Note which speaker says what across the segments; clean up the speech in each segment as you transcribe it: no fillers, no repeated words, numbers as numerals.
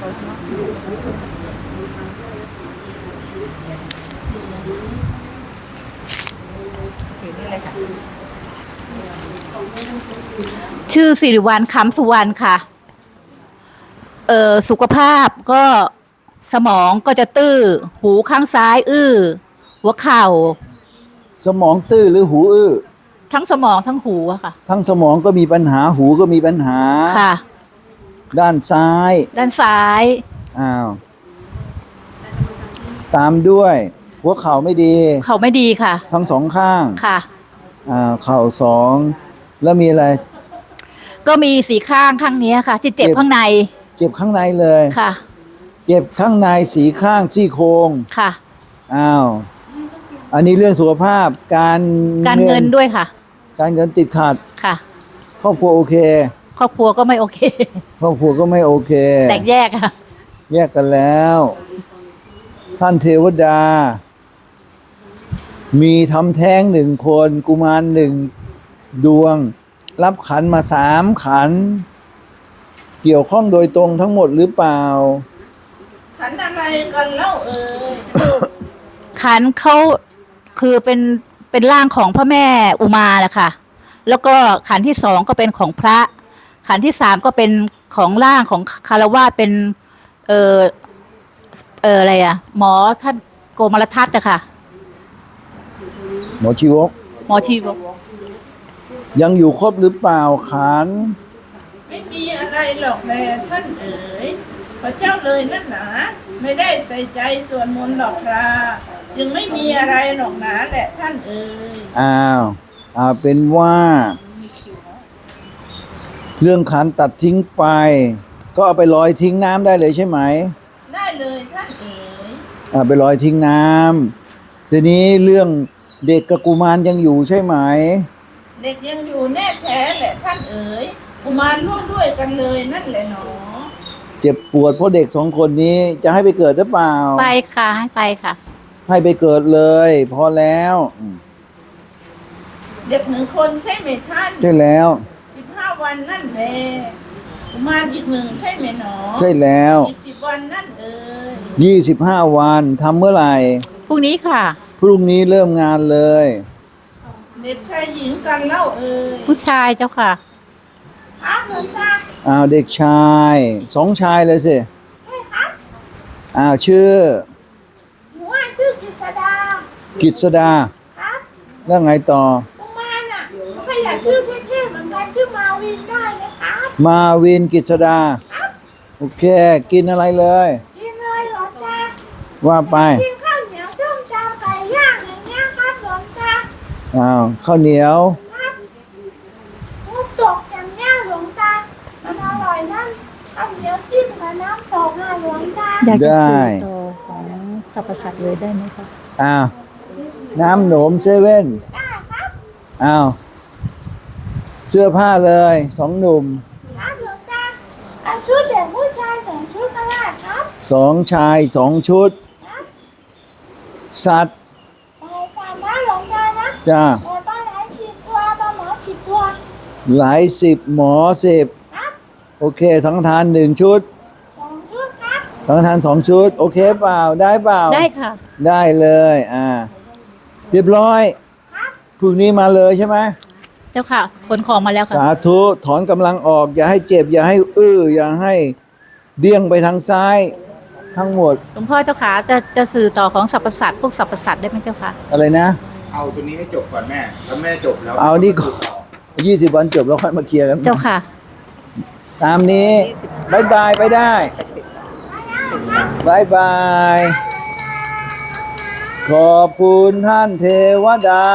Speaker 1: ชื่อสิริวัลย์คำสุวรรณค่ะสุขภาพก็สมองก็จะตื้อหูข้างซ้ายอื้อหัวเข่า
Speaker 2: สมองตื้อหรือหูอื้อ
Speaker 1: ทั้งสมองทั้งหูอะค่ะ
Speaker 2: ทั้งสมองก็มีปัญหาหูก็มีปัญหา
Speaker 1: ค่ะ
Speaker 2: ด้านซ้ายอ้าวตามด้วยหัวเข่าไม่ดี
Speaker 1: เข่าไม่ดีค่ะ
Speaker 2: ทั้งสองข้าง
Speaker 1: ค่ะ
Speaker 2: เข่าสองแล้วมีอะไร
Speaker 1: ก็มีสีข้างข้างนี้ค่ะที่เจ็บข้างใน
Speaker 2: เจ็บข้างในเลย
Speaker 1: ค่ะ
Speaker 2: เจ็บข้างในสีข้างซี่โครง
Speaker 1: ค่ะ
Speaker 2: อันนี้เรื่องสุขภาพการ
Speaker 1: เงินด้วยค่ะ
Speaker 2: การเงินติดขัด
Speaker 1: ค่ะ
Speaker 2: ครอบครัวโอเค
Speaker 1: ครอบครัวก็ไม่โอเค
Speaker 2: ครอบครัวก็ไม่โอเค
Speaker 1: แตกแยกค่ะ
Speaker 2: แยกกันแล้วท่านเทวดามีทำแท้ง1 คนกุมาร1 ดวงรับขันมา3 ขันเกี่ยวข้องโดยตรงทั้งหมดหรือเปล่า
Speaker 3: ขันอะไรกันเล่า
Speaker 1: ขันเขาคือเป็นร่างของพระแม่อุมาแหละค่ะแล้วก็ขันที่2ก็เป็นของพระขันที่3ก็เป็นของร่างของคารวะเป็นอะไรหมอท่านโกมลทัศน์นะคะ
Speaker 2: หมอชีวกยังอยู่ครบหรือเปล่าขัน
Speaker 3: ไม่มีอะไรหรอกแม่ท่านเอ๋ยพระเจ้าเลยนั่นหนาไม่ได้ใส่ใจส่วนมนต์หรอกครับจึงไม่มีอะไรหรอกหนาแหละท่านเอ๋ย
Speaker 2: เป็นว่าเรื่องขันตัดทิ้งไปก็เอาไปลอยทิ้งน้ำได้เลยใช่ไหม
Speaker 3: ได้เลยท่านเอ๋ย
Speaker 2: ไปลอยทิ้งน้ำทีนี้เรื่องเด็กกับกุมารยังอยู่ใช่ไหม
Speaker 3: เด็กยังอยู่แน่แท้แหละท่านเอ๋ยกุมารร่วมด้วยกันเลยนั่นแหละหนอ
Speaker 2: เจ็บปวดเพราะเด็ก2 คนนี้จะให้ไปเกิดหรือเปล่า
Speaker 1: ไปค่ะให้ไปค่ะ
Speaker 2: ให้ไปเกิดเลยพอแล้ว
Speaker 3: เด็ก1 คนใช่ไหมท่าน
Speaker 2: ใช่แล้ว
Speaker 3: 15 วันนั่นแหละกุมารอีก1ใช่ไหมหนอ
Speaker 2: ใช่แล้ว
Speaker 3: อีก10 วันนั่นเอ๋ย
Speaker 2: 25 วันทำเมื่อไหร่
Speaker 1: พรุ่งนี้ค่ะ
Speaker 2: พรุ่งนี้เริ่มงานเลย
Speaker 3: เด็กชายหญิงกันเล่าเอ๋ย
Speaker 1: ผู้ชายเจ้าค่ะ
Speaker 3: ครับหลวงตา
Speaker 2: เด็กชาย2 ชายเลยสิ
Speaker 3: ใช่ครับ
Speaker 2: ชื่อ
Speaker 3: หนูชื่อกิษดา
Speaker 2: ครับแล้วไงต่อ
Speaker 3: กุมารน่ะก็อยากชื่อเท่ๆเหมือนกันชื่อมาวินได้เลยครับ
Speaker 2: มาวินกิษดาโอเคกินอะไรเลย
Speaker 3: กินเลยหลวงตา
Speaker 2: ว่าไป
Speaker 3: กินข้าวเหนียวส้มตำไก่ย่างอย่างเงี้ยครับหลวงตา
Speaker 2: ข้าวเหนียว
Speaker 3: ครับน้ำตกอย่างเงี้ยหลวงตามันอร่อยนั่นข้าวเหนียวจิ้มกับน้ำตกหลวงตา
Speaker 1: อยากจะสื่อต่อของสรรพสัตว์เลยได้ไหมคะ
Speaker 2: น้ำหนมเซเว่น
Speaker 3: ได้ครับ
Speaker 2: เสื้อผ้าเลย2 หนุ่ม
Speaker 3: ครับหลวงตาชุดเด็กผู้ชาย2 ชุดก็ได้ครับ
Speaker 2: 2 ชาย2 ชุดสัตว์
Speaker 3: ไปฟังนะหลวงตานะ
Speaker 2: จ้า
Speaker 3: ไปหลาย10 ตัวปลาหมอ10 ตัว
Speaker 2: หลาย10หมอ10
Speaker 3: ครับ
Speaker 2: โอเคสังฆทาน1 ชุด
Speaker 3: 2 ชุดครับ
Speaker 2: สังฆทาน2 ชุดโอเคเปล่าได้เปล่า
Speaker 1: ได้ค่ะ
Speaker 2: ได้เลยเรียบร้อยพรุ่งนี้มาเลยใช่ไหม
Speaker 1: เจ้าค่ะขนของมาแล้วค่ะ
Speaker 2: สาธุถอนกำลังออกอย่าให้เจ็บอย่าให้อย่าให้เดี่ยงไปทางซ้ายทั้งหมด
Speaker 1: หลวงพ่อเจ้าค่ะจะสื่อต่อของสรรพสัตว์พวกสรรพสัตว์ได้ไหมเจ้าค่ะ
Speaker 2: อะไรนะ
Speaker 4: เอาตัวนี้ให้จบก่อนแม่แล้วแม่จบแล้ว
Speaker 2: เอานี่ก่อน20 วันจบแล้วค่อยมาเคลียร์กัน
Speaker 1: เจ้าค่ะ
Speaker 2: ตามนี้บายบายไปได้บายบายขอบคุณท่านเทวดา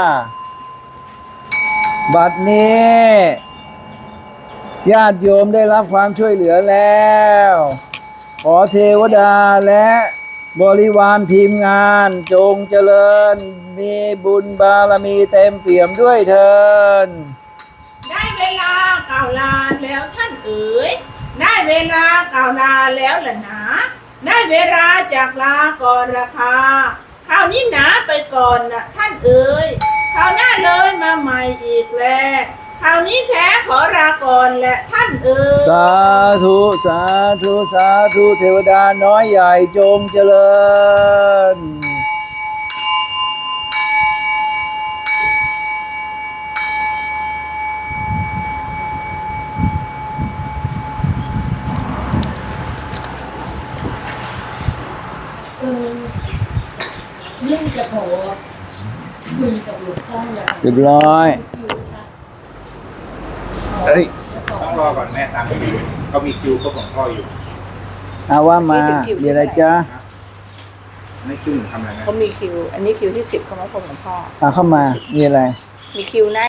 Speaker 2: บัดนี้ญาติโยมได้รับความช่วยเหลือแล้วขอเทวดาและบริวารทีมงานจงเจริญมีบุญบารมีเต็มเปี่ยมด้วยเถิด
Speaker 3: ได้เวลากล่าวลาแล้วท่านเอ๋ยได้เวลากล่าวลาแล้วล่ะนะได้เวลาจากลาก่อนราคาคราวนี้หนาไปก่อนนะท่านเอ๋ยคราวหน้าเลยมาใหม่อีกแล้วคราวนี้แท้ขอลาก่อนแหละท่านเอ๋ย
Speaker 2: สาธุสาธุสาธุเทวดาน้อยใหญ่จงเจริญ
Speaker 5: เรื่องจะขอคุยกับหลวงพ่อเลย
Speaker 2: เรียบร้อย เอ้ย
Speaker 4: ต้องรอก่อนแม่ตามคิวเขามีคิวเขาของพ่ออยู่
Speaker 2: เอาว่ามามีอะไรจ๊ะ
Speaker 4: ไม่คิวหนูทำอะไรนะ
Speaker 5: เขามีคิว อันนี้คิวที่ 10เขามาพบหลวงพ่อ
Speaker 2: เอาเข้ามามีอะไร
Speaker 5: มีคิวนะ